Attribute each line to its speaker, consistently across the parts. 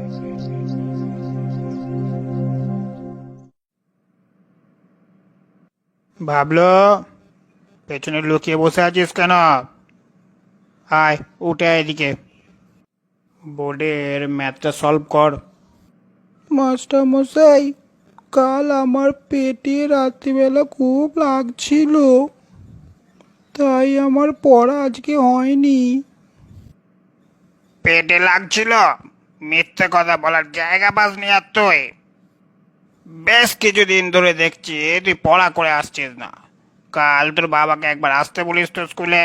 Speaker 1: ভাবলো পেছনে লুকিয়ে বসে আছিস কেন? আয় উঠে আয় এদিকে, বোর্ডের ম্যাথটা সলভ কর।
Speaker 2: মাস্টার মশাই, কাল আমার পেটে রাত্রিবেলা খুব লাগছিল, তাই আমার পড়া আজকে হয়নি।
Speaker 1: পেটে লাগছিল? মিথ্যে কথা বলার জায়গা পাসনি আর তুই? বেশ কিছুদিন ধরে দেখছি তুই পড়া করে আসছিস না। কাল তোর বাবাকে একবার আসতে বলিস তো স্কুলে।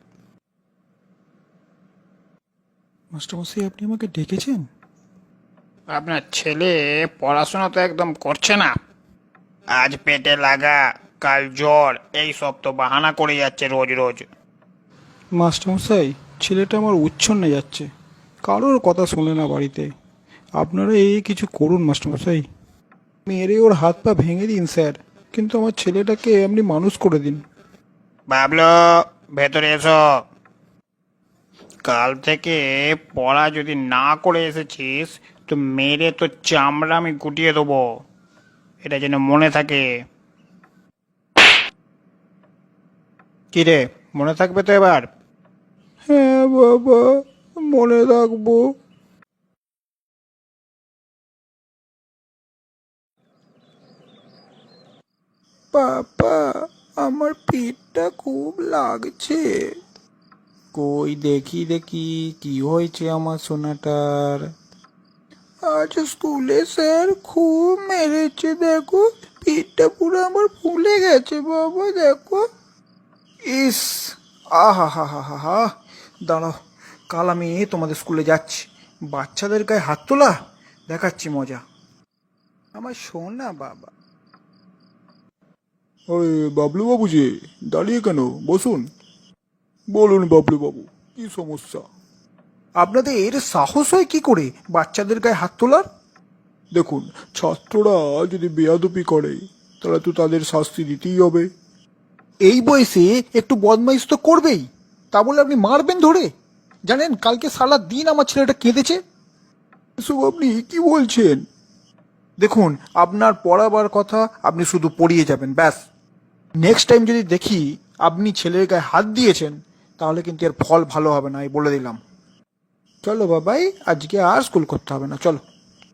Speaker 2: মাস্টার মশাই, আপনি আমাকে ডেকেছেন?
Speaker 1: আপনার ছেলে পড়াশোনা তো একদম করছে না। আজ পেটে লাগা, কাল জ্বর, এই সব তো বাহানা করে যাচ্ছে রোজ রোজ।
Speaker 2: মাস্টার মশাই, ছেলেটা আমার উচ্ছন্নে যাচ্ছে, কারোর কথা শোনে না বাড়িতে। আপনারা এই কিছু করুন মাস্টার মশাই, মেরে ওর হাত পা ভেঙে দিন স্যার, কিন্তু আমার ছেলেটাকে আপনি মানুষ করে দিন।
Speaker 1: ভাবলো, ভেতরে এসো। কাল থেকে পড়া যদি না করে এসেছিস তো মেরে তো চামড়া আমি গুটিয়ে দেবো, এটা যেন মনে থাকে। কি রে, মনে থাকবে তো এবার?
Speaker 2: হ্যাঁ বাবা, মনে রাখবো। বাবা, আমার পেটটা খুব লাগছে। কই দেখি দেখি, কি হয়েছে আমার সোনাটার? আজ স্কুলে স্যার খুব মেরেছে, দেখো পেটটা পুরো আমার ফুলে গেছে বাবা, দেখো। ইস, আহা হা হা হা হা। দাঁড়াও, কাল আমি তোমাদের স্কুলে যাচ্ছি, বাচ্চাদের গায়ে হাত তোলা দেখাচ্ছি মজা। আমার সোনা বাবা। ওই বাবলু বাবু যে, দাঁড়িয়ে কেন, বসুন। বলুন বাবলু বাবু, কি সমস্যা? আপনাদের সাহস হয় কি করে বাচ্চাদের গায়ে হাত তোলার? দেখুন, ছাত্ররা যদি বেয়াদপি করে তাহলে তো তাদের শাস্তি দিতেই হবে। এই বয়সে একটু বদমাইশ তো করবেই, তা বলে আপনি মারবেন ধরে? জানেন, কালকে সারা দিন আমার ছেলেটা কেঁদেছে। এসব আপনি কি বলছেন? দেখুন, আপনার পড়াবার কথা, আপনি শুধু পড়িয়ে যাবেন ব্যাস। নেক্সট টাইম যদি দেখি আপনি ছেলের গায়ে হাত দিয়েছেন, তাহলে কিন্তু এর ফল ভালো হবে না, এই বলে দিলাম। চলো বাবাই, আজকে আর স্কুল করতে হবে না, চলো।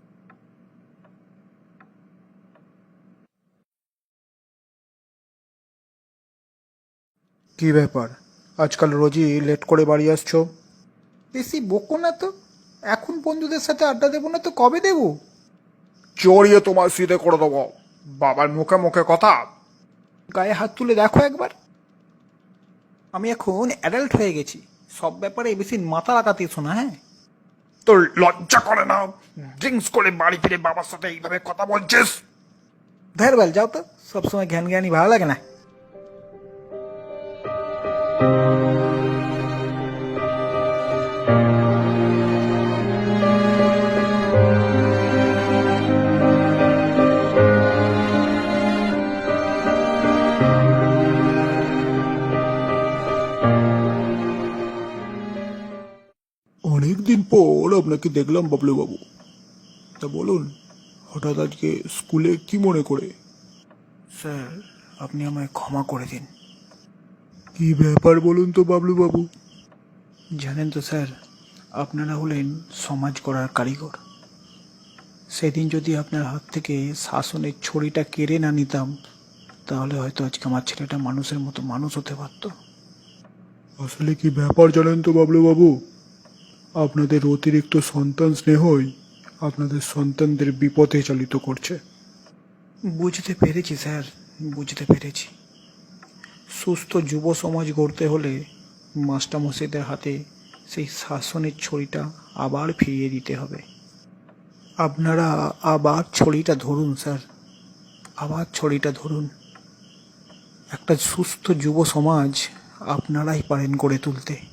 Speaker 2: কি ব্যাপার, আজকাল রোজই লেট করে বাড়ি আসছো? বেশি বকো না তো, এখন বন্ধুদের সাথে আড্ডা দেবো না তো কবে দেবো?
Speaker 3: চড়িয়ে তোমার সিটে করে দেবো। বাবার মুখে মুখে কথা।
Speaker 2: গায়ে হাত তুলে দেখো একবার। আমি এখন অ্যাডাল্ট হয়ে গেছি, সব ব্যাপারে বেশি মাথা লাগাতে এসো না, হ্যাঁ?
Speaker 3: তোর লজ্জা করে না? ড্রিঙ্কস করে বাড়ি ফিরে বাবার সাথে এইভাবে কথা বলছিস?
Speaker 2: ধ্যার বেল, যাও তো, সবসময় জ্ঞান জ্ঞানী ভালো লাগে না। অনেকদিন পর আপনাকে দেখলাম বাবলু বাবু, তা বলুন, হঠাৎ আজকে স্কুলে কি মনে করে? স্যার, আপনি আমায় ক্ষমা করে দিন। কি ব্যাপার বলুন তো বাবলু বাবু? জানেন তো স্যার, আপনারা হলেন সমাজ গড়ার কারিগর। সেদিন যদি আপনার হাত থেকে শাসনের ছড়িটা কেড়ে না নিতাম, তাহলে হয়তো আজকে আমার ছেলেটা মানুষের মতো মানুষ হতে পারত। আসলে কি ব্যাপার জানেন তো বাবলু বাবু, আপনাদের অতিরিক্ত সন্তান স্নেহই আপনাদের সন্তানদের বিপথে চালিত করছে। বুঝতে পেরেছি স্যার, বুঝতে পেরেছি। সুস্থ যুব সমাজ গড়তে হলে মাস্টারমশাইদের হাতে সেই শাসনের ছড়িটা আবার ফিরিয়ে দিতে হবে। আপনারা আবার ছড়িটা ধরুন স্যার, আবার ছড়িটা ধরুন। একটা সুস্থ যুব সমাজ আপনারাই পারেন গড়ে তুলতে।